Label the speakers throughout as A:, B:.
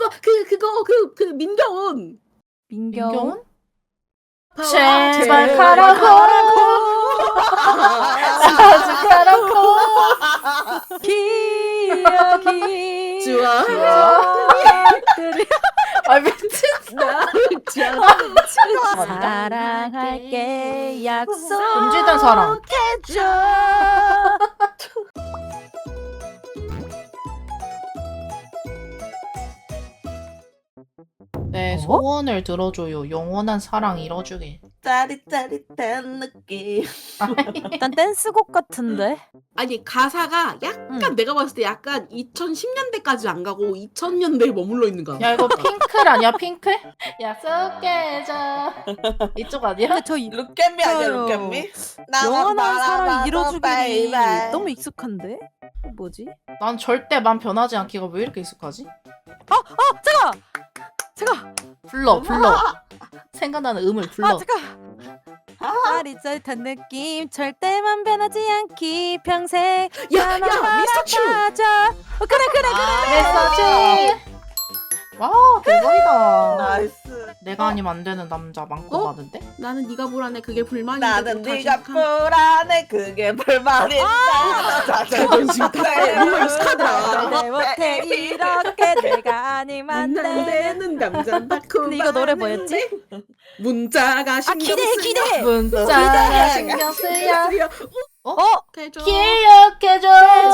A: 그거 민경훈.
B: 민경훈?
C: 제발 가라고. 자주 가라고.
B: 기억이
A: 좋아.
C: 아 미친.
B: 사랑할게 약속
C: 금지된 사랑.
B: 해줘.
C: 내 소원을 들어줘요. 영원한 사랑 이뤄주길.
D: 짜릿짜릿한 느낌.
B: 일단 댄스곡 같은데.
A: 아니 가사가 약간 내가 봤을 때 약간 2010년대까지 안 가고 2000년대에 머물러 있는 거야.
C: 야 이거 핑클 아니야 핑클? 약속해줘. 이쪽 아니야?
B: 근데 저
D: 룩앤미 아니야
B: 있어요.
D: 룩앤미?
B: 영원한 사랑 이뤄주기
D: 바이바이.
B: 너무 익숙한데? 뭐지?
C: 난 절대 맘 변하지 않기가 왜 이렇게 익숙하지?
B: 제가
C: 불러. 생각나는 음을 불러.
B: 짜릿짜릿한 느낌 절대만 변하지 않기 평생
A: 야,
B: 나만
A: 미스터 츄.
B: 바라봐줘. 그래
C: 메시지. 와 대박이다.
D: 나이스.
C: 내가 아니면 안 되는 남자 많고 많은데?
A: 나는 네가 불안해 그게 불만인데.
D: 나는
A: 또
D: 네가
A: 다시
D: 불안해 그게 불만이다.
A: 자존심 탓에 뭔가 익숙하더라.
B: 내 못해 이렇게 내가 아니면 안
A: 안
B: 돼.
A: 되는 남자다.
B: 근데 이거 노래 뭐였지?
A: 문자가 신경
B: 기대
C: 문자 신경 쓰여.
A: 해줘.
C: 기억해줘.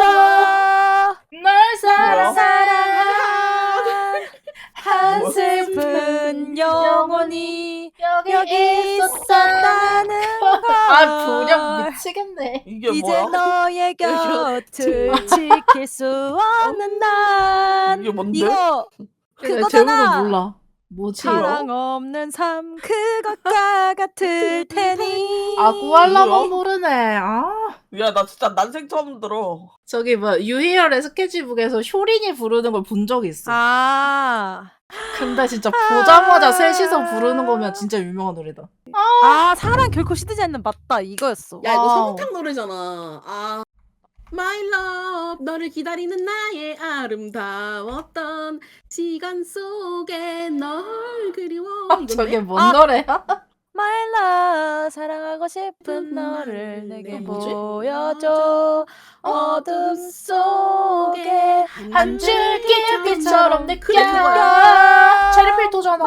C: 널
D: 뭐야?
B: 사랑한 한 슬픈 영혼이 여기 있었다는 걸.
C: 아 분량 미치겠네.
D: 이게
B: 이제
D: 뭐야?
B: 너의 곁을 지킬 수 없는 난
D: 이게 뭔데?
B: 이거
C: 제목을
B: 그거잖아.
C: 몰라. 뭐지?
B: 사랑 없는 삶 그것과 같을 테니.
C: 아 구할라면
D: 뭐야?
C: 모르네. 아
D: 야 나 진짜 난생 처음 들어.
C: 저기 뭐 유희열의 스케치북에서 효린이 부르는 걸 본 적이 있어. 근데 진짜 보자마자 셋이서 부르는 거면 진짜 유명한 노래다.
B: 사랑 결코 시들지 않는 맞다 이거였어.
A: 야 이거
C: 와우.
A: 성우탕 노래잖아. My love 너를 기다리는 나의 아름다웠던 시간 속에 널 그리워. 이건데?
C: 저게 뭔 노래야?
B: My love 사랑하고 싶은 너를 내게
C: 뭐지?
B: 보여줘. 어둠 속에
C: 한 줄기 빛처럼 느껴.
A: 그래, 그거야.
C: 체리필터잖아.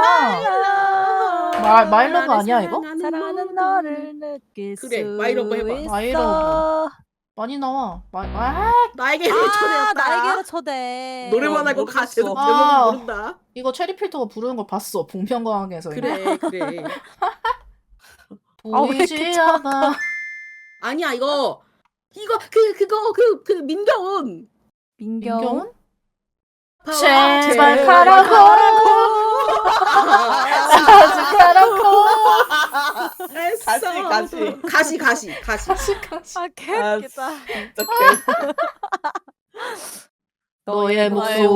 C: 마일러브 아니야, 이거?
B: 사랑하는 너를 느낄
A: 그래,
B: 수
A: 마이러브 해봐.
B: 있어.
C: 마이러브. 많이 나와.
A: 나에게 초대했다.
B: 나에게로 초대.
A: 노래만 알고
D: 모르겠어.
A: 가제도 제목
C: 아.
A: 모른다.
C: 이거 체리필터가 부르는 거 봤어. 봉평광에서.
A: 그래.
B: 왜
C: 보이지
B: 이렇게
C: 않아.
A: 아니야 이거 그 민경훈.
C: 민경훈?
A: 아,
C: 제발 가라고. 자주 가라고.
A: 가시.
B: 아 개웃기다.
D: 진짜 개.
C: 너의
D: 목소리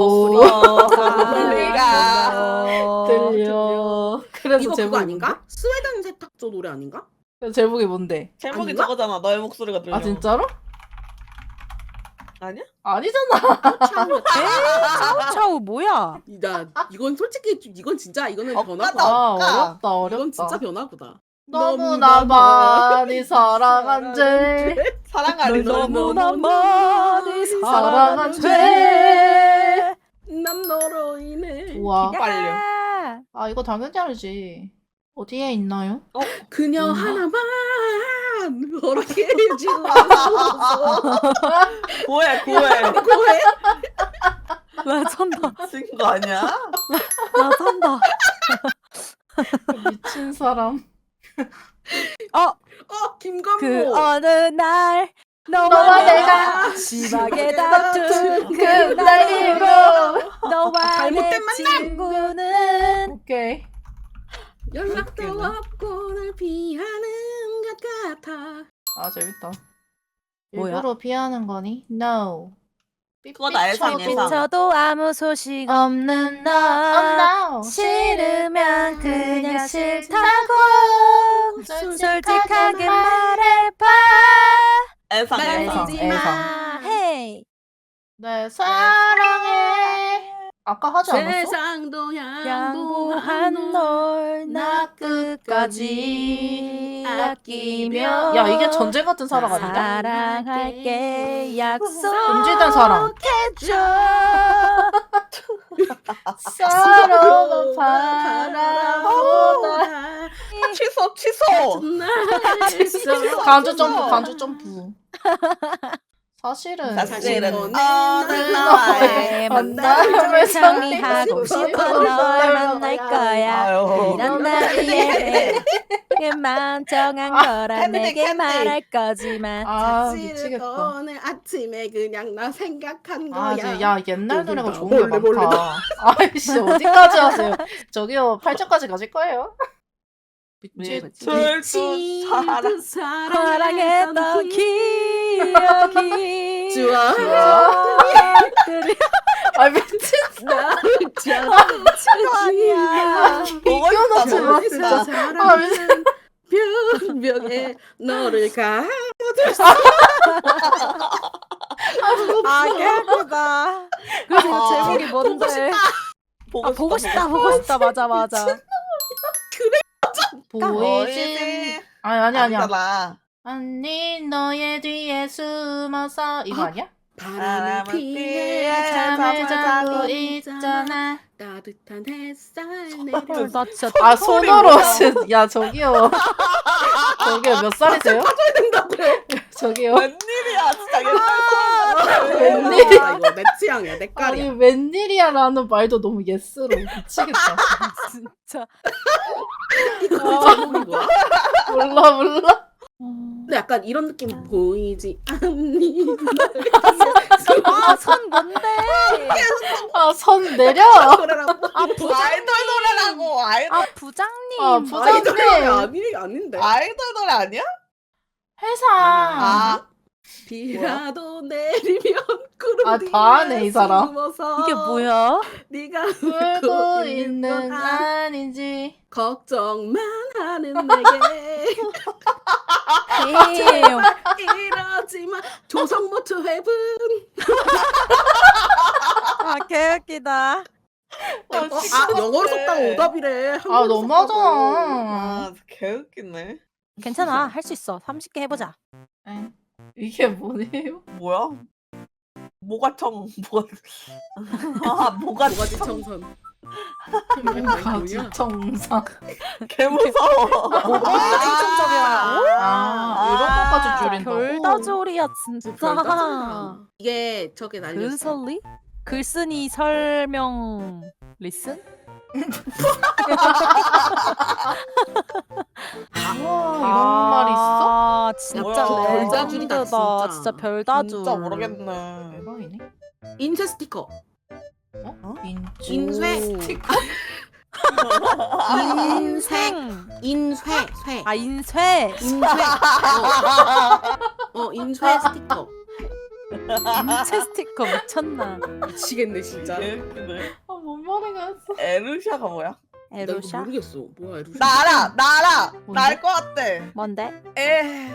B: 소리가
C: 들려. 그래서
A: 이거 그거
C: 제목이
A: 아닌가? 스웨덴 세탁소 노래 아닌가?
C: 뭔데? 제목이 뭔데?
D: 제목이
A: 아닌가?
D: 저거잖아. 너의 목소리가 들려.
C: 아 진짜로?
D: 아니야?
C: 아니잖아.
B: 차우 뭐야?
A: 이건 솔직히 이건 진짜 이거는
D: 억까다.
A: 변화구다.
C: 아
D: 어렵다.
C: 어렵다.
A: 이건 진짜 변화구다.
C: 너무나 많이 사랑한 죄.
D: 사랑하리
B: 너무나 많이
C: 사랑한
B: 사랑한
C: 죄.
B: 죄.
A: 난 너로 인해.
C: 우와.
D: 빨려.
C: 아 이거 당연히 알지. 어디에 있나요?
A: 그녀
C: 음.
A: 하나만 허락해 주고
D: 고해.
A: 고해.
B: 나 찬다.
D: 친거 아니야?
B: 나 찬다.
C: 미친 사람.
A: 김건모.
B: 그 어느 날
C: 너와 내가
B: 심하게 다툰
C: 그날 이후로.
B: 너와
A: 잘못된
B: 내
A: 만남.
B: 친구는
C: 오케이.
A: 연락도
D: 웃기네.
A: 없고 널 피하는 것 같아.
C: 아 재밌다.
B: 뭐야?
C: 일부러 피하는 거니? No.
D: 그건 알상,
C: 삐삐쳐도
D: 예상.
B: 비춰도 아무 소식 없는 너
C: no.
B: 싫으면 그냥 싫다고
C: 솔직하게
B: 솔직하게 말해봐.
D: 애상.
A: 날
C: 애상,
A: 믿지
C: 애상.
A: 마.
B: 헤이.
C: 네 사랑해. 아까 하지 않았어?
A: 세상도
B: 양보한 널 나 끝까지 아끼며
C: 야 이게 전쟁 같은 사랑 아닌가?
B: 사랑할게 약속해줘.
C: 금지된 사랑. 서로가 바라보다.
D: 취소.
C: 간주 점프. 사실은
D: 사실은 어느
B: 너의
D: 나라에
B: 만남을 정리하고 싶어 널 만날 거야.
D: 아유.
B: 이런 날 위해 내게만 정한 거라 내게
D: 캔디.
B: 말할 거지만
C: 아
A: 사실은
C: 미치겠다.
A: 오늘 아침에 그냥 나 생각한
C: 아,
A: 거야.
C: 야 옛날 노래가 좋은 게
A: 몰래.
C: 많다. 아이씨 어디까지 하세요? 저기요 8점까지 가실 거예요? 미치.
D: 둘둘
B: 사랑했던 기억이
A: 좋아.
B: 기억들이
C: 아 미친.
A: 나를
B: 아니야.
D: 보고 싶다 보고 싶다.
A: 사랑은 변명에 너를 가둬뒀어.
B: 아 예쁘다. 그래서 제목이 뭔데? 보고 싶다. 맞아.
C: 보이진. 아니.
D: 아니잖아.
C: 언니 너의 뒤에 숨어서 이거 아니야?
A: 바람을 피해
D: 피해
C: 잠을
D: 자고
C: 자고 있잖아.
A: 따뜻한 햇살
B: 헐,
A: 내려.
B: 나 진짜
C: 아 손으로 야 저기요. 저기요 몇 살이세요? 저기요.
D: 웬일이야 진짜 옛날
C: 웬일이야.
A: 아, 이거 내 취향이야, 내
C: 아니
A: 깔이야.
C: 웬일이야라는 말도 너무 예스로 미치겠다.
B: 진짜.
A: 이거 제목이 뭐야?
C: 몰라.
A: 근데 약간 이런 느낌 보이지 않니?
B: 선 뭔데?
C: 아 선 내려.
A: 노래라고.
D: 아이돌 노래라고
B: 아 부장님.
C: 아,
A: 아이돌 노래
C: 부장님.
A: 아닌데.
D: 아이돌 노래 아니야?
C: 회사.
D: 아
A: 비라도 내리면 구름
C: 아,
A: 뒤에
C: 다 하네, 이 사람.
A: 숨어서
B: 이게 뭐야?
A: 네가
C: 울고 있는
A: 있는
C: 건
A: 건
C: 아니지.
A: 걱정만 하는 내게
B: 에휴.
A: 이러지만 조성모초 해분.
B: 아 개웃기다.
A: 아 영어로 썼다고 오답이래.
C: 아 너무하잖아.
D: 아 개웃기네.
B: 괜찮아 할 수 있어. 30개 해보자.
C: 엥? 이게 뭐예요?
D: 뭐야? 모가청 아
A: 모가지
D: 모가청
A: 청선.
C: 가지 정상.
D: 개 무서워.
C: 아 이런 것까지 줄인다고?
B: 별다조리야 진짜.
A: 이게 저게 날렸어.
B: 글설리? 글쓴이 설명 리슨?
C: 이런 말 있어?
B: 아 진짜
D: 뭐야.
A: 별다줄이다,
B: 레전드다.
A: 진짜.
B: 진짜 별다줄.
D: 진짜 모르겠네.
C: 대박이네.
A: 인쇄 스티커.
C: 인주.
A: 인쇄
B: 스티커. 인생.
A: 인쇄.
B: 아 인쇄.
A: 인쇄 스티커.
B: 인체 스티커 미쳤나?
A: 미치겠네 진짜.
D: 개웃기네.
C: 아뭔 말이 갔어.
D: 에루샤가 뭐야?
A: 나 이거
B: 에루샤?
A: 모르겠어. 뭐야 에루샤?
D: 나 알아. 나
C: 뭔데?
D: 알 것 같아.
B: 뭔데?
D: 에.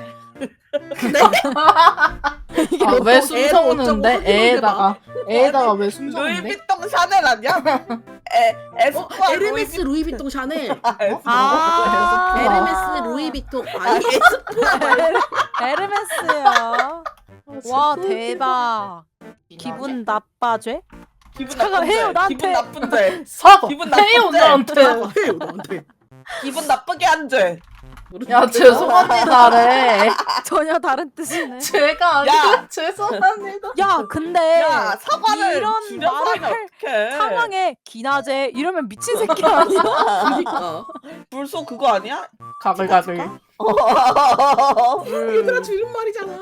C: 아왜
A: 애를
C: 숨성는데?
A: 어쩌고
C: 애에다가 왜 숨성는데?
D: 루이비통 샤넬 아니야? 에스쁘아
A: 에르메스 루이비통 샤넬.
B: 아.
A: 에르메스 루이비통. 아니 에스쁘아.
B: 에르메스야. 와 대박. 기분 나빠죄?
D: 기분
B: 차가 해요, 나한테.
D: 기분 나쁜데.
C: 사과
D: 기분
C: 해요
D: 나쁜데.
C: 나한테.
A: 해요 너한테.
D: 기분 나쁘게 한 죄.
C: 야 죄송합니다래.
B: 전혀 다른 뜻이네.
C: 죄가 아니라 죄송합니다.
B: 야 근데
D: 야 사과를
B: 이런
D: 줄여서
B: 말을
D: 하면 어떡해.
B: 상황에 기나제 이러면 미친 새끼 아니야?
A: 그러니까.
D: 불소 그거 아니야?
C: 가글가글.
A: 얘들아 줄임말이잖아.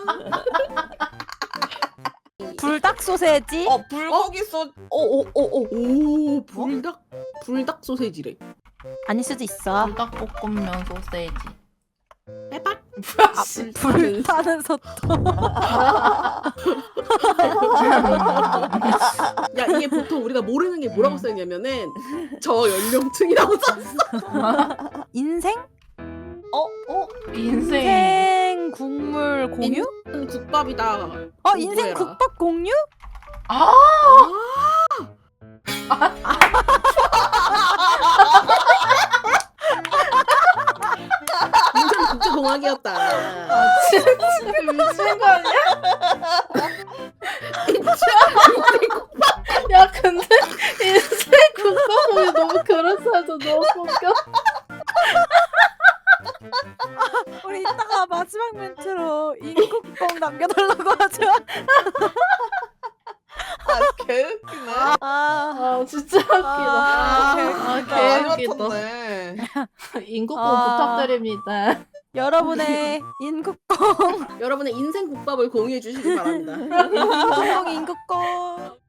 B: 불닭 소세지?
D: 불고기 소. 오오오오.
A: 오 불닭 소세지래.
B: 아닐 수도 있어.
C: 불닭볶음면 소세지.
A: 빼박.
B: 불타는 소토.
A: 야 이게 보통 우리가 모르는 게 뭐라고 써있냐면은 저 연령층이라고 썼어.
B: 인생?
C: 인생.
B: 인생 국물 공유?
A: 국밥이다.
B: 인생
A: 공부해라.
B: 국밥 공유?
C: 아
A: 인생 국제공학이었다.
C: 진짜 미친 거 아니야? 야 근데 인생 국가보기 너무 그럴싸해서 너무 웃겨.
B: 우리 이따가 마지막 멘트로 인국뽕 남겨달라고 하죠.
D: 아 개웃기네.
C: 아 진짜 웃기다. 개웃기다.
D: 맞췄네.
C: 인국뽕
B: 아.
C: 부탁드립니다.
B: 여러분의 인국뽕
A: 여러분의 인생 국밥을 공유해 주시기 바랍니다.
B: 인국뽕 인국뽕